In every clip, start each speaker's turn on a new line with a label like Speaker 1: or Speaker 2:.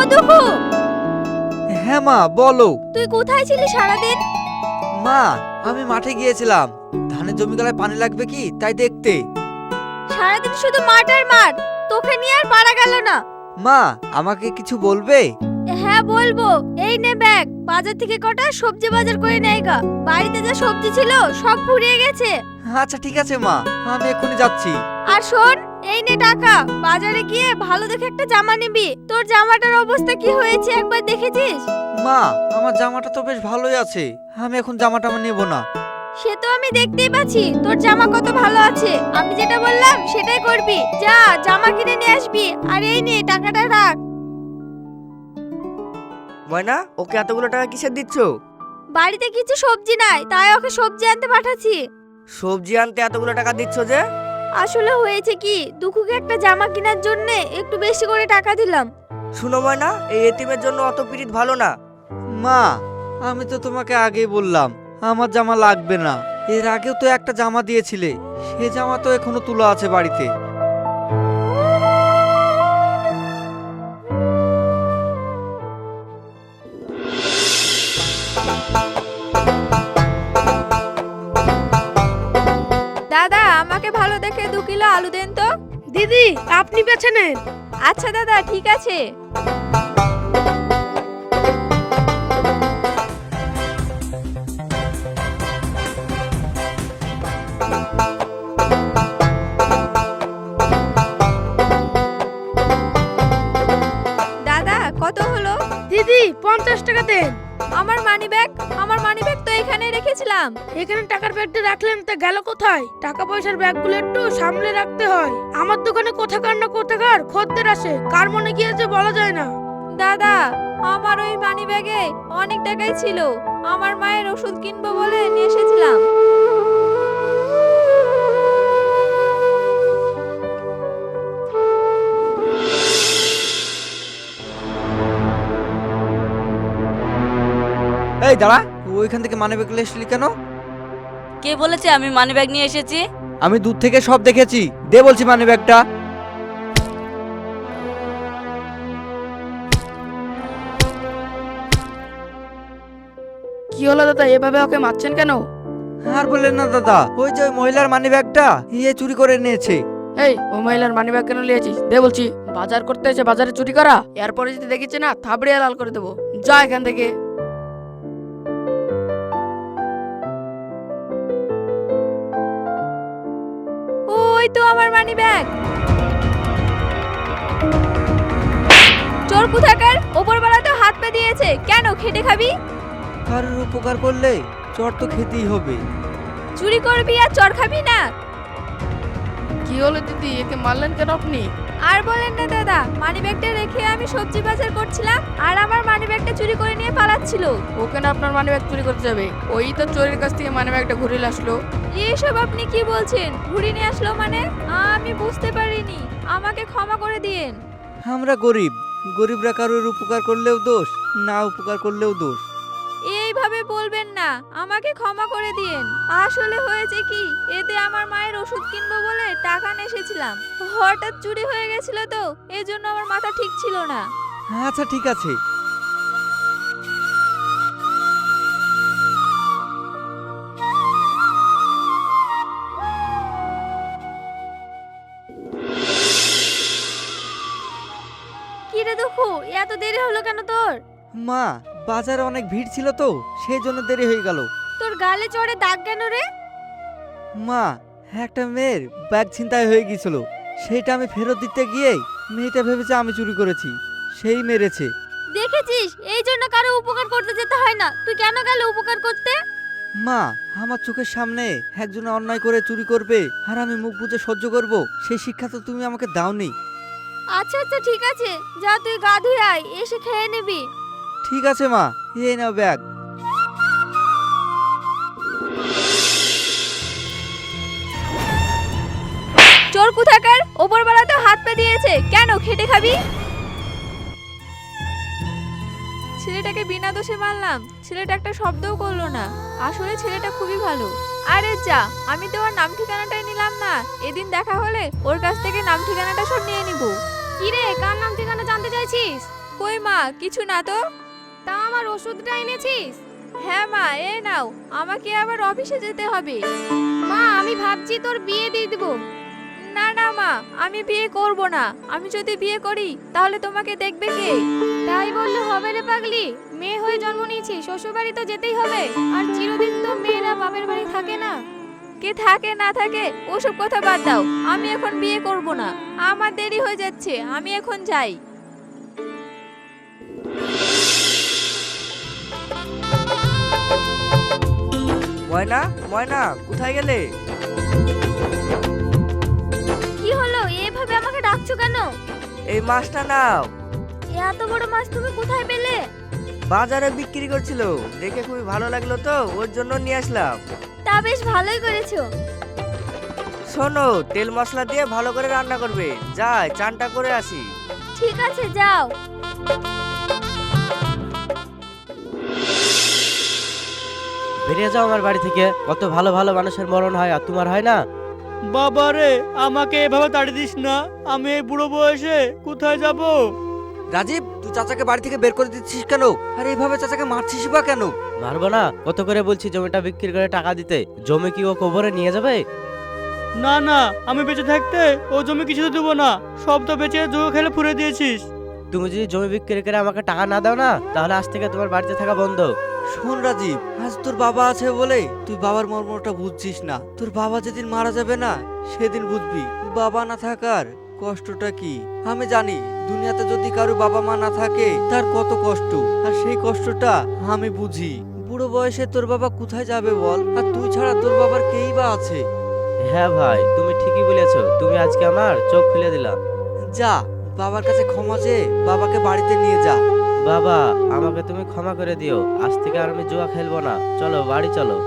Speaker 1: দুঃখু,
Speaker 2: হ্যাঁ মা বলো।
Speaker 1: তুই কোথায় ছিলি সারাদিন?
Speaker 2: মা আমি মাঠে গিয়েছিলাম, ধানের জমিগুলোয় পানি লাগবে কি তাই দেখতে।
Speaker 1: সারাদিন শুধু মাঠ আর মাঠ, তোকে নিয়ে আর পারা গেল না।
Speaker 2: মা আমাকে কিছু বলবে?
Speaker 1: হ্যাঁ বলবো, এই নে ব্যাগ, বাজার থেকে কটা সবজি বাজার করে নেই গা। বাড়িতে যা সবজি ছিল সব ফুরিয়ে গেছে।
Speaker 2: আচ্ছা ঠিক আছে মা, আমি এক্ষুনি যাচ্ছি।
Speaker 1: আর শোন, এই নে টাকা, বাজারে গিয়ে ভালো দেখে একটা জামা নিবি। তোর জামাটার অবস্থা কি হয়েছে একবার দেখেছিস?
Speaker 2: মা আমার জামাটা তো বেশ ভালোই আছে, আমি এখন জামাটা নেব না।
Speaker 1: সে তো আমি দেখতেই পাচ্ছি তোর জামা কত ভালো আছে। আমি যেটা বললাম সেটাই করবি। যা জামা কিনে নিয়ে আসবি, আর এই নে টাকাটা রাখ।
Speaker 3: ময়না, ওকে এতগুলো টাকা কিসের দিচ্ছ?
Speaker 1: বাড়িতে কিছু সবজি নাই, তাই ওকে সবজি আনতে পাঠাচ্ছি।
Speaker 3: সবজি আনতে এতগুলো টাকা দিচ্ছ যে?
Speaker 1: আসলে হয়েছে কি, দুঃখুকে একটা জামা কেনার জন্য একটু বেশি করে টাকা দিলাম।
Speaker 3: শুনো ময়না, এই এতিমের জন্য অত পিরিত ভালো না।
Speaker 2: মা আমি তো তোমাকে আগেই বললাম আমার জামা লাগবে না। এর আগেও তো একটা জামা দিয়েছিলে, সে জামা তো এখনো তোলা আছে বাড়িতে।
Speaker 1: দাদা আমাকে ভালো দেখে 2 কিলো আলু দেন তো।
Speaker 4: দিদি, আপনি বেছে নেন।
Speaker 1: আচ্ছা দাদা ঠিক আছে। দাদা কত হলো?
Speaker 4: দিদি 50 টাকা দেন।
Speaker 1: আমার মানিব্যাগ তো এখানে রেখেছিলাম।
Speaker 4: এখানে টাকার ব্যাগটা রাখলেন, তা গেল কোথায়? টাকা পয়সার ব্যাগগুলো একটু সামলে রাখতে হয়। আমার দোকানে কোথাকার না কোথাকার খদ্দের আসে, কার মনে গিয়েছে বলা যায় না।
Speaker 1: দাদা আমার ওই মানিব্যাগে অনেক টাকাই ছিল, আমার মায়ের ওষুধ কিনবো বলে নিয়ে এসেছিলাম।
Speaker 2: এই দাঁড়া, ওইখান থেকে মানি ব্যাগ এসেছিলি কেন?
Speaker 5: কে বলেছে আমি মানি ব্যাগ নিয়ে এসেছি?
Speaker 2: আমি দূর থেকে সব দেখেছি, দে বলছি মানি ব্যাগটা।
Speaker 4: কি হলো দাদা, এভাবে ওকে মারছেন কেন?
Speaker 2: আর বললেন না দাদা, ওই যে ওই মহিলার মানি ব্যাগটা ইয়ে চুরি করে নিয়েছে।
Speaker 4: এই, ও মহিলার মানি ব্যাগ কেন নিয়েছিস? দে বলছি। বাজার করতে এসে বাজারে চুরি করা? এরপরে যদি দেখিছে না, থাবড়িয়ে লাল করে দেবো। যা এখান থেকে।
Speaker 1: ওই তো আমার মানিব্যাগ। চোর কোথাকার, ওপরবেলা তো হাত পা দিয়েছে, কেন খেটে খাবি?
Speaker 2: কারোর উপকার করলে চর তো খেতেই হবে।
Speaker 1: চুরি করবি আর চর খাবি না?
Speaker 4: কি হলো দিদি, একে মারলেন কেন আপনি?
Speaker 1: আর বলেন না দাদা, মানিব্যাগটা রেখে আমি সবজি বাজার করছিলাম, আর আমার মানিব্যাগটা চুরি করে নিয়ে পালাচ্ছিল।
Speaker 4: ওকে না আপনার মানি ব্যাগ চুরি করতে যাবে? ওই তো চোরের কাছ থেকে মানি ব্যাগটা ঘুরে আসলো।
Speaker 1: এসব আপনি কি বলছেন? ঘুরে নিয়ে আসলো মানে? আমি বুঝতে পারিনি, আমাকে ক্ষমা করে দিয়েন।
Speaker 2: আমরা গরিব, গরিবরা কারোর উপকার করলেও দোষ, না উপকার করলেও দোষ।
Speaker 1: এইভাবে বলবেন না, আমাকে ক্ষমা করে দিয়েন। আসলে হয়েছে কি, এতে আমার মায়ের ওষুধ কিনবো বলে টাকা নিয়ে এসেছিলাম, হঠাৎ চুরি হয়ে গেছিল তো, এজন্য আমার মাথা ঠিক ছিল না।
Speaker 2: আচ্ছা ঠিক আছে।
Speaker 1: কি রে দুঃখু, এত দেরি হলো কেন তোর?
Speaker 2: মা বাজারে অনেক ভিড় ছিল তো, সেই জন্য দেরি হয়ে গেল।
Speaker 1: তোর গালে চড়ে দাগ কেন রে?
Speaker 2: মা একটা মেয়ের ব্যাগ ছিনতাই হয়ে গিয়েছিল, সেইটা আমি ফেরত দিতে গিয়ে মেয়েটা ভেবেছে আমি চুরি করেছি, সেই মেরেছে।
Speaker 1: দেখেছিস, এই জন্য কারো উপকার করতে যেতে হয় না। তুই কেন গেলে উপকার করতে?
Speaker 2: মা আমার চোখের সামনে একজন অন্যায় করে চুরি করবে আর আমি মুখ বুজে সহ্য করব, সেই শিক্ষা তো তুমি আমাকে দাওনি।
Speaker 1: আচ্ছা আচ্ছা ঠিক আছে, যা তুই গা ধুয়ে আয়, এসে খেয়ে নিবি।
Speaker 2: ঠিক আছে মা, এই নাও ব্যাগ।
Speaker 1: চোর কোথাকার, ওপরবেলা তো হাত পা দিয়েছে, কেন খেটে খাবি? ছেলেটাকে বিনা দোষে মারলাম, ছেলেটা একটা শব্দও করলো না। আসলে ছেলেটা খুবই ভালো। আরে যা, আমি তো ওর নাম ঠিকানাটাই নিলাম না, এদিন দেখা হলে ওর কাছ থেকে নাম ঠিকানাটা সব নিয়ে নিব। কি রে, কার নাম ঠিকানা জানতে চাইছিস? কই মা, কিছু না তো। তা আমার ওষুধটা এনেছিস? হ্যাঁ মা, এই নাও। আমাকে আবার অফিসে যেতে হবে। মা, আমি ভাবছি তোর বিয়ে দিয়ে দিব। না না মা, আমি বিয়ে করব না। আমি যদি বিয়ে করি তাহলে তোমাকে দেখবে কে? তাই বললে হবে রে পাগলি, মেয়ে হয়ে জন্ম নিয়েছি, শ্বশুর বাড়ি তো যেতেই হবে। আর চিরদিন তো মেয়েরা বাপের বাড়ি থাকে না। কে থাকে না থাকে ওসব কথা বাদ দাও। আমি এখন বিয়ে করব না, আমার দেরি হয়ে যাচ্ছে, আমি এখন যাই।
Speaker 3: ময়না, ময়না, কোথায় গেলে?
Speaker 1: কি হলো, এভাবে আমাকে ডাকছো কেন?
Speaker 3: এই মাছটা নাও।
Speaker 1: এত বড় মাছ তুমি কোথায় পেলে?
Speaker 3: বাজারে বিক্রি করছিল, দেখে খুবই ভালো লাগলো তো ওর জন্য নিয়ে আসলাম।
Speaker 1: তা বেশ ভালোই করেছো।
Speaker 3: শোনো, তেল মশলা দিয়ে ভালো করে রান্না করবে। যাই চানটা করে আসি।
Speaker 1: ঠিক আছে, যাও।
Speaker 6: বেরিয়ে যাও আমার বাড়ি থেকে। কত ভালো ভালো মানুষের মরণ হয় আর তোমার হয় না।
Speaker 2: বাবা রে, আমাকে এভাবে তাড়িয়ে দিস না। আমি এই বুড়ো বয়সে কোথায় যাব? রাজীব, তুই চাচাকে বাড়ি থেকে বের করে দিচ্ছিস কেন? আর এইভাবে চাচাকে মারছিস বা কেন?
Speaker 6: মারবো না? কত করে বলছি জমিটা বিক্রি করে টাকা দিতে। জমি কি ও কবরে নিয়ে যাবে?
Speaker 7: না না, আমি বেঁচে থাকতে ও জমি কিছু দেবো না, সব তো বেঁচে জুয়ো খেলে ফুরে দিয়েছিস।
Speaker 6: তুমি যদি জমি বিক্রি করে আমাকে টাকা না দাও না, তাহলে আজ থেকে তোমার বাড়িতে থাকা বন্ধ।
Speaker 2: শোন রাজীব, আজ তোর বাবা আছে বলে তুই বাবার মর্মটা বুঝছিস না। তোর বাবা যেদিন মারা যাবে না, সেদিন বুঝবি বাবা না থাকার কষ্টটা কি। আমি জানি দুনিয়াতে যদি কারো বাবা মা না থাকে তার কত কষ্ট, আর সেই কষ্টটা আমি বুঝি। বুড়ো বয়সে তোর বাবা কোথায় যাবে বল? আর তুই ছাড়া তোর বাবার কেই বা আছে?
Speaker 6: হ্যাঁ ভাই, তুমি ঠিকই বলেছো। তুমি আজকে আমার চোখ খুলে দিলা।
Speaker 2: যা, বাবার কাছে ক্ষমা চেয়ে বাবাকে বাড়িতে নিয়ে যা।
Speaker 6: বাবা, আমাকে তুমি ক্ষমা করে দিও। আজ থেকে আর আমি জুয়া খেলবো না। চলো বাড়ি চলো।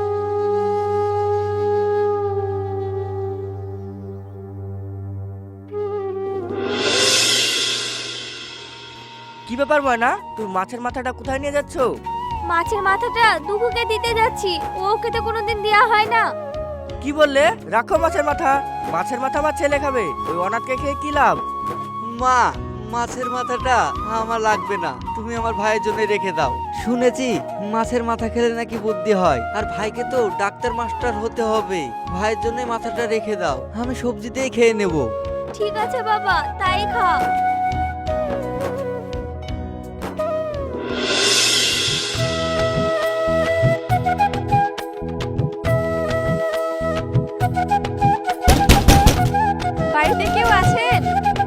Speaker 3: কি ব্যাপার ময়না, তুই মাছের মাথাটা কোথায় নিয়ে যাচ্ছ?
Speaker 1: মাছের মাথাটা দুঃখকে দিতে যাচ্ছি, ওকে তো কোনোদিন দেয়া হয় না।
Speaker 3: কি বললে? রাখো মাছের মাথা। মাছের মাথা আমার ছেলে খাবে, ওই অনাথকে খেয়ে কি লাভ?
Speaker 2: মা, মাছের মাথাটা আমার লাগবে না, তুমি আমার ভাইয়ের জন্য রেখে দাও। শুনেছি মাছের মাথা খেলে নাকি বুদ্ধি হয়, আর ভাইকে তো ডাক্তার মাস্টার হতে হবে। ভাইয়ের জন্য মাথাটা রেখে দাও, আমি সবজি দিয়ে খেয়ে নেব।
Speaker 1: ঠিক আছে বাবা, তাই খাও। বাড়িতে কেউ আছেন?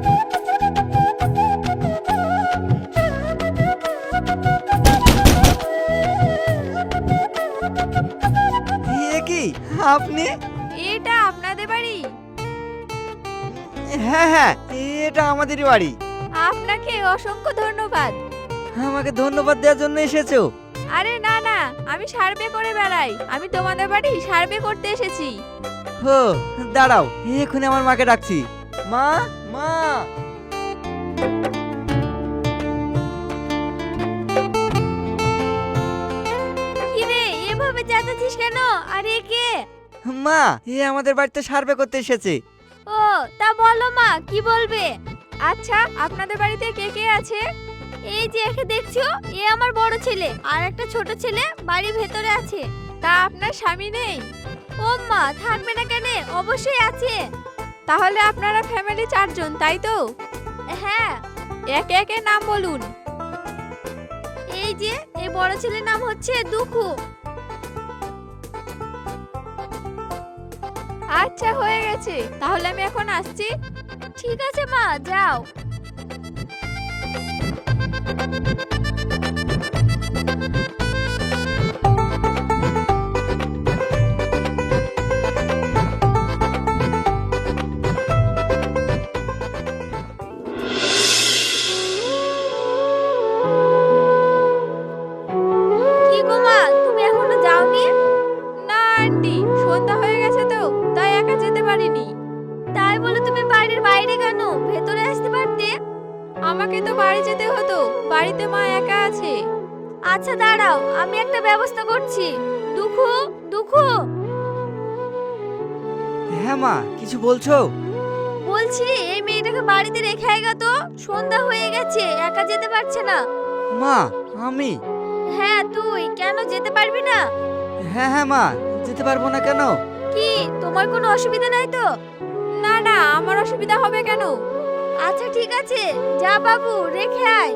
Speaker 2: এ কি আপনি?
Speaker 1: এটা আপনাদের বাড়ি?
Speaker 2: হ্যাঁ হ্যাঁ, এটা আমাদেরই বাড়ি।
Speaker 1: আপনাকে অসংখ্য ধন্যবাদ।
Speaker 2: আমাকে ধন্যবাদ দেওয়ার জন্য এসেছো?
Speaker 1: আরে না না, আমি সার্ভে করে বেড়াই। আমি তোমাদের বাড়ি সার্ভে করতে এসেছি।
Speaker 2: হো, দাঁড়াও, এক্ষুনি আমার মাকে ডাকছি। মা, মা।
Speaker 1: কি রে, এভাবে চেঁচাচ্ছিস কেন? আরে কে?
Speaker 2: মা, এ আমাদের বাড়িতে সার্ভে করতে এসেছে।
Speaker 1: ও, তা বলো মা, কি বলবে? আচ্ছা, আপনাদের বাড়িতে কে কে আছে? এই যে একে দেখছো, এ আমার বড় ছেলে, আর একটা ছোট ছেলে বাড়ির ভেতরে আছে। তা আপনার স্বামী নেই? ও মা, থাকবে না কেন? অবশ্যই আছে। তাহলে আপনারা ফ্যামিলি 4 জন, তাই তো? হ্যাঁ। একে একে নাম বলুন। এই যে এই বড় ছেলের নাম হচ্ছে দুখু। আচ্ছা, হয়ে গেছে। তাহলে আমি এখন আসছি। ঠিক আছে মা, যাও। কি গো মা, তুমি এখনো যাওনি? না আন্টি, সন্ধ্যা হয়ে গেছে তো, তাই একা যেতে পারিনি। তাই বলে তুমি বাড়ির বাইরে কেন? ভেতরে আসতে পারতে। আমাকে তো বাড়ি যেতে হতো, বাড়িতে মা একা আছে। আচ্ছা দাঁড়াও, আমি একটা ব্যবস্থা করছি। দুখু, দুখু।
Speaker 2: হ্যাঁ মা, কিছু বলছো?
Speaker 1: বলছি এই মেয়েটাকে বাড়িতে রেখে আয়গা তো, সন্ধ্যা হয়ে গেছে, একা যেতে পারছে না।
Speaker 2: মা, আমি?
Speaker 1: হ্যাঁ তুই, কেন যেতে পারবি না?
Speaker 2: হ্যাঁ হ্যাঁ মা, যেতে পারবো না কেন?
Speaker 1: কি তোমার কোনো অসুবিধা নাই তো? না না, আমার অসুবিধা হবে কেন? আচ্ছা ঠিক আছে, যা বাবু, রেখে আয়।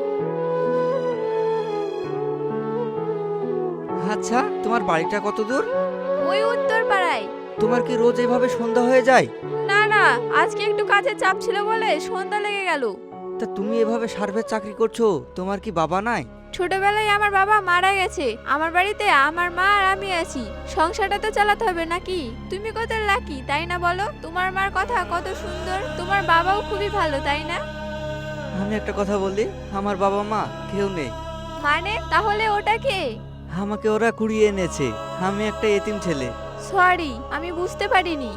Speaker 2: আচ্ছা, তোমার বাড়িটা কত দূর?
Speaker 1: ওই উত্তর পাড়ায়।
Speaker 2: তোমার কি রোজ এভাবে সন্ধ্যা হয়ে যায়?
Speaker 1: না না, আজকে একটু কাজের চাপ ছিল বলে সন্ধ্যা লেগে গেল।
Speaker 2: তা তুমি এভাবে সার্ভের চাকরি করছো, তোমার কি বাবা নাই?
Speaker 1: ছোটবেলায় আমার বাবা মারা গেছে, আমার বাড়িতে আমার মা আর আমি আছি, সংসারটা তো চালাতে হবে নাকি? তুমি কত লাকি তাই না বলো? তোমার মার কথা কত সুন্দর, তোমার বাবাও খুবই ভালো তাই না?
Speaker 2: আমি একটা কথা বলি, আমার বাবা মা কেউ নেই।
Speaker 1: মানে তাহলে ওটা কে?
Speaker 2: আমাকে ওরা কুড়িয়ে এনেছে, আমি একটা এতিম ছেলে।
Speaker 1: সরি, আমি বুঝতে পারিনি।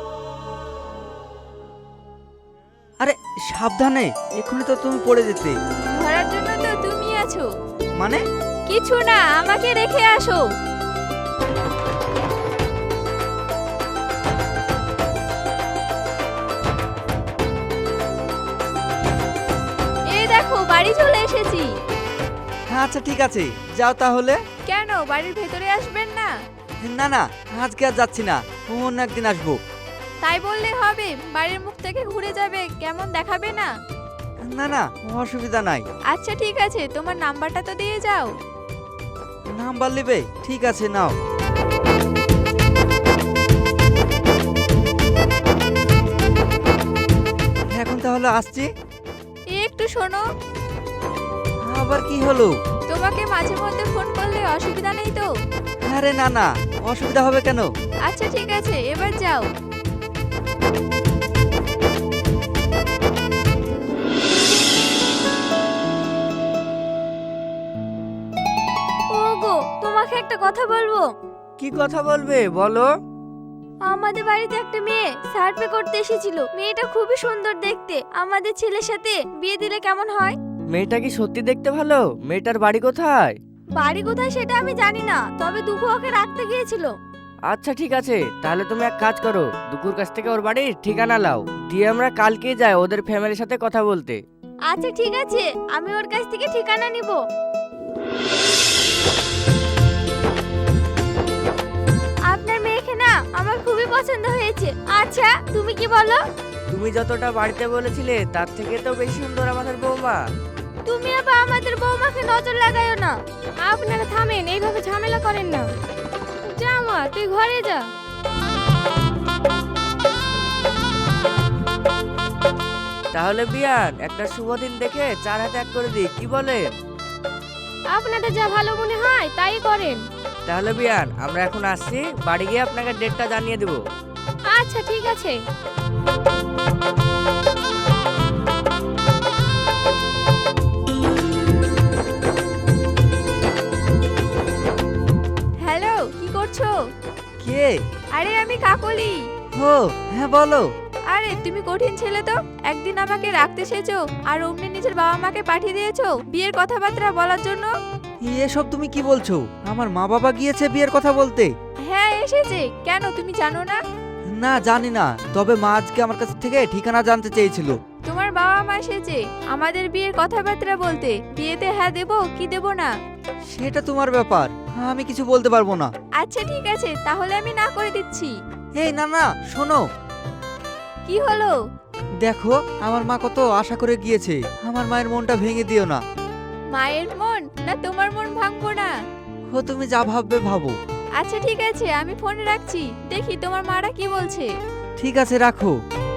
Speaker 2: আরে সাবধানে, এক্ষুনি তো তুমি পড়ে যেতে।
Speaker 1: ধরার জন্য তো তুমি আছো।
Speaker 2: মানে?
Speaker 1: কিছু না, আমাকে রেখে আসো। এই দেখো, বাড়ি চলে এসেছি।
Speaker 2: হ্যাঁ আচ্ছা ঠিক আছে, যাও তাহলে।
Speaker 1: কেন, বাড়ির ভেতরে আসবেন না?
Speaker 2: না না, আজকে আর যাচ্ছি না, অন্য একদিন আসবো।
Speaker 1: তাই বললে হবে? বাড়ির মুখ থেকে ঘুরে যাবে, কেমন দেখাবে না?
Speaker 2: না না, অসুবিধা নাই।
Speaker 1: আচ্ছা ঠিক আছে, তোমার নাম্বারটা তো দিয়ে যাও।
Speaker 2: নাম্বার নেবে? ঠিক আছে, নাও। এখন তাহলে আসছি।
Speaker 1: একটু শোনো,
Speaker 2: আবার কি হলো?
Speaker 1: তোমাকে মাঝে মধ্যে ফোন করলে অসুবিধা নেই তো?
Speaker 2: আরে না না, অসুবিধা হবে কেন?
Speaker 1: আচ্ছা ঠিক আছে, এবার যাও। ওগো, তোমাকে একটা কথা বলবো।
Speaker 3: কি কথা বলবে বলো?
Speaker 1: আমাদের বাড়িতে একটা মেয়ে সার্ভে করতে এসেছিল, মেয়েটা খুবই সুন্দর দেখতে, আমাদের ছেলের সাথে বিয়ে দিলে কেমন হয়?
Speaker 3: মেয়েটা কি সত্যি দেখতে ভালো? মেয়েটার বাড়ি কোথায়?
Speaker 1: বাড়ি কোথায় সেটা আমি জানি না, তবে দুঃখ ওকে রাখতে গিয়েছিল।
Speaker 3: আচ্ছা ঠিক আছে, তাহলে তুমি এক কাজ করো, দুকুর কাছ থেকে ওর বাড়ির ঠিকানা লাও, দিয়ে আমরা কালকেই যাই ওদের ফ্যামিলির সাথে কথা বলতে।
Speaker 1: আচ্ছা ঠিক আছে, আমি ওর কাছ থেকে ঠিকানা নিব। আপনার মেয়েকে না আমার খুবই পছন্দ হয়েছে। আচ্ছা তুমি কি বলো?
Speaker 3: তুমি যতটা বাড়িতে বলেছিলে তার থেকে তো বেশি সুন্দর আমাদের বৌমা।
Speaker 1: তুমি আবার আমাদের বৌমাকে নজর লাগায়ো না। আপনারা থামেন, এইভাবে ঝামেলা করেন না। যা মা, তুই ঘরে যা।
Speaker 3: তাহলে বিয়ান একটা শুভ দিন দেখে 4 হাতে এক করে দিই, কি বলেন?
Speaker 1: আপনাদের যা ভালো মনে হয় তাই করেন।
Speaker 3: তাহলে বিয়ান আমরা এখন আসছি, বাড়ি গিয়ে আপনাকে ডেটটা জানিয়ে দেবো।
Speaker 1: আচ্ছা ঠিক আছে। হ্যালো, কি করছো?
Speaker 2: কে?
Speaker 1: আরে আমি কাকলি।
Speaker 2: ও হ্যাঁ বলো।
Speaker 1: আরে তুমি কঠিন ছেলে তো, একদিন আমাকে রাখতে এসেছো আর অমনি নিজের বাবা মাকে পাঠিয়ে দিয়েছো বিয়ের কথাবার্তা বলার জন্য।
Speaker 2: এসব তুমি কি বলছো? আমার মা বাবা গিয়েছে বিয়ের কথা বলতে।
Speaker 1: হ্যাঁ এসেছে, কেন তুমি জানো না?
Speaker 2: না জানি না, তবে মা আজকে আমার কাছ থেকে ঠিকানা জানতে চেয়েছিল।
Speaker 1: তোমার বাবা মা এসেছে আমাদের বিয়ের কথাবার্তা বলতে, বিয়েতে হ্যাঁ দেবো কি দেবো না।
Speaker 2: সেটা তোমার ব্যাপার, আমি কিছু বলতে পারবো না।
Speaker 1: আচ্ছা ঠিক আছে, তাহলে আমি না করে দিচ্ছি।
Speaker 2: এই না না, শোনো।
Speaker 1: কি হলো?
Speaker 2: দেখো আমার মা কত আশা করে গিয়েছে, আমার মায়ের মনটা ভেঙে দিও না।
Speaker 1: মায়ের মন না তোমার মন ভাঙবো না।
Speaker 2: ও তুমি যা ভাববে ভাবো।
Speaker 1: আচ্ছা ঠিক আছে, আমি ফোনে রাখছি, দেখি তোমার মারা কি বলছে।
Speaker 2: ঠিক আছে, রাখো।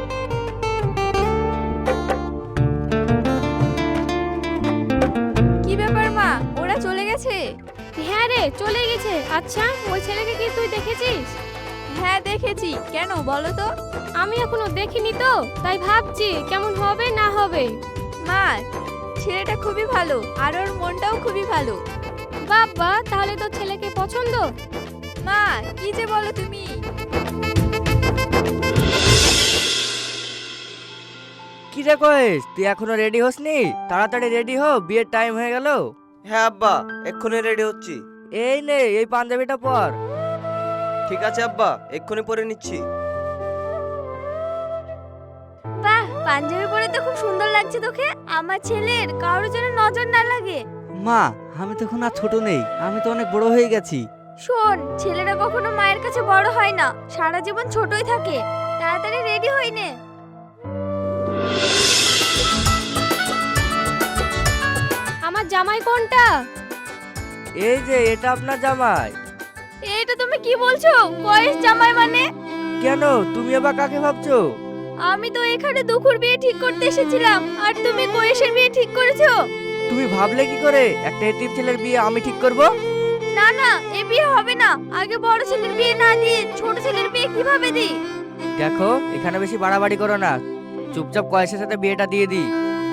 Speaker 1: কি ব্যাপার মা, ওরা চলে গেছে? হ্যাঁ রে, চলে গেছে। আচ্ছা ওই ছেলেকে কি তুই দেখেছিস? হ্যাঁ দেখেছি, কেন বলো তো? আমি এখনো দেখিনি তো, তাই ভাবছি কেমন হবে না হবে। মা, ছেলেটা খুবই ভালো আর ওর মনটাও খুবই ভালো। বাবা, তাহলে তো ছেলেকে পছন্দ। মা কি যে বলো তুমি।
Speaker 3: কি রে কয়েস, তুই এখনো রেডি হসনি? তাড়াতাড়ি রেডি হো, বিয়ের টাইম হয়ে গেল।
Speaker 8: হ্যাঁ আব্বা, এক্ষুনি রেডি হচ্ছি।
Speaker 3: এই নে এই পাঞ্জাবিটা পর।
Speaker 8: ঠিক আছে আব্বা, এক্ষুনি পরে নিচ্ছি।
Speaker 1: বাহ, পাঞ্জাবি পরে তো খুব সুন্দর লাগছে তোকে। আমার ছেলের কারোর জন্য নজর না লাগে।
Speaker 2: মা, আমি তখন আর ছোট নেই, আমি তো অনেক বড় হয়ে গেছি।
Speaker 1: শোন, ছেলেরা কখনো মায়ের কাছে বড় হয় না, সারা জীবন ছোটই থাকে। তাড়াতাড়ি রেডি হই নে। আমার জামাই কোনটা?
Speaker 3: এই যে এটা আপনার জামাই।
Speaker 1: এইটা তুমি কি বলছো? বয়স জামাই মানে?
Speaker 3: কেন, তুমি আবার কাকে ভাবছো?
Speaker 1: আমি তো এখানে দুখুর বিয়ে ঠিক করতে এসেছিলাম, আর তুমি বয়সের বিয়ে ঠিক করেছো।
Speaker 3: তুমি ভাবলে কি করে একটা এতিম ছেলের বিয়ে আমি ঠিক করব?
Speaker 1: না না, এ বিয়ে হবে না। আগে বড় ছেলের বিয়ে না দিয়ে ছোট ছেলের বিয়ে কিভাবে দিই?
Speaker 3: দেখো, এখানে বেশি বাড়াবাড়ি করো না, চুপচাপ কয়েসের সাথে বিয়েটা দিয়ে দিই।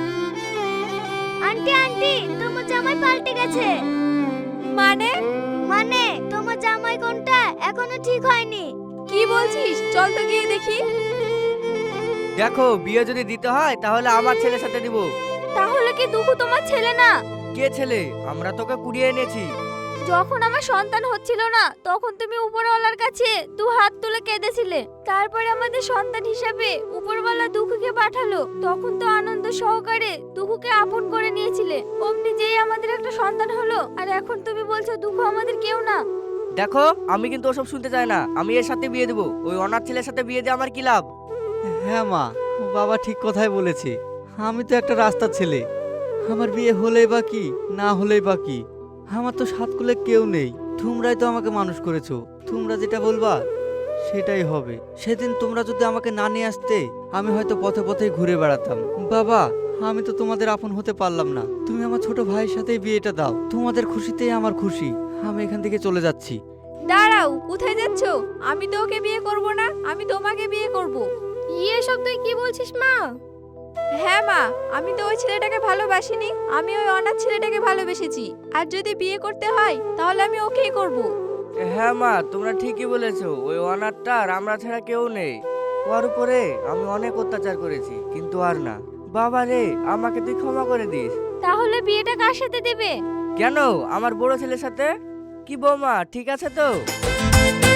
Speaker 1: আন্টি আন্টি, তোমার জামাই পাল্টে গেছে। মানে? মানে তোমার জামাই কোনটা এখনো ঠিক হয়নি। কি বলছিস? চল তো গিয়ে দেখি।
Speaker 3: দেখো, বিয়ে যদি দিতে হয় তাহলে আমার ছেলের সাথে দিব।
Speaker 1: তাহলে কি দুখু তোমার ছেলে না?
Speaker 3: কে ছেলে? আমরা তোকে কুড়িয়ে এনেছি।
Speaker 1: যখন আমার সন্তান হচ্ছিল না, তখন তুমি উপরওয়ালার কাছে দু হাত তুলে কেঁদেছিলে। তারপরে আমাদের সন্তান হিসাবে উপরওয়ালা দুখুকে পাঠালো। তখন তো আনন্দ সহকারে দুখুকে আপন করে নিয়েছিলে। অমনি যেই আমাদের একটা সন্তান হলো, আর এখন তুমি বলছো দুখু আমাদের কেউ না।
Speaker 3: দেখো, আমি কিন্তু ওসব শুনতে চাই না। আমি এর সাথে বিয়ে দেবো। ওই অনাথ ছেলের সাথে বিয়ে দিয়ে আমার কি লাভ?
Speaker 2: হ্যাঁ মা, বাবা ঠিক কথাই বলেছে। আমি তো একটা রাস্তার ছেলে। আমার বিয়ে হলেই বা কি, না হলেই বা কি, আমার তো সাত কুলে কেউ নেই। তোমরাই তো আমাকে মানুষ করেছো। তোমরা যেটা বলবা সেটাই হবে। সেদিন তোমরা যদি আমাকে না নিয়ে আসতে, আমি হয়তো পথে পথেই ঘুরে বেড়াতাম। বাবা, আমি তো তোমাদের আপন হতে পারলাম না। তুমি আমার ছোট ভাইয়ের সাথেই বিয়েটা দাও। তোমাদের খুশিতেই আমার খুশি। আমি এখান থেকে চলে যাচ্ছি।
Speaker 1: দাঁড়াও, কোথায় যাচ্ছ? আমি তো ওকে বিয়ে করব না, আমি তোমাকে বিয়ে করব। এসব তুই কি বলছিস মা? হ্যাঁ মা, আমি তো ওই ছেলেটাকে ভালোবাসিনি, আমি ওই অনাথ ছেলেটাকে ভালোবেসেছি। আর যদি বিয়ে করতে হয় তাহলে আমি ওকেই করব।
Speaker 3: হ্যাঁ মা, তোমরা ঠিকই বলেছো। ওই অনাথটা আর আমরা ছাড়া কেউ নেই। ওর উপরে আমি অনেক অত্যাচার করেছি, কিন্তু আর না। বাবা রে, আমাকে তুই ক্ষমা করে দিস।
Speaker 1: তাহলে বিয়েটা কার সাথে দেবে?
Speaker 3: কেন, আমার বড় ছেলের সাথে। কি বৌমা, ঠিক আছে তো?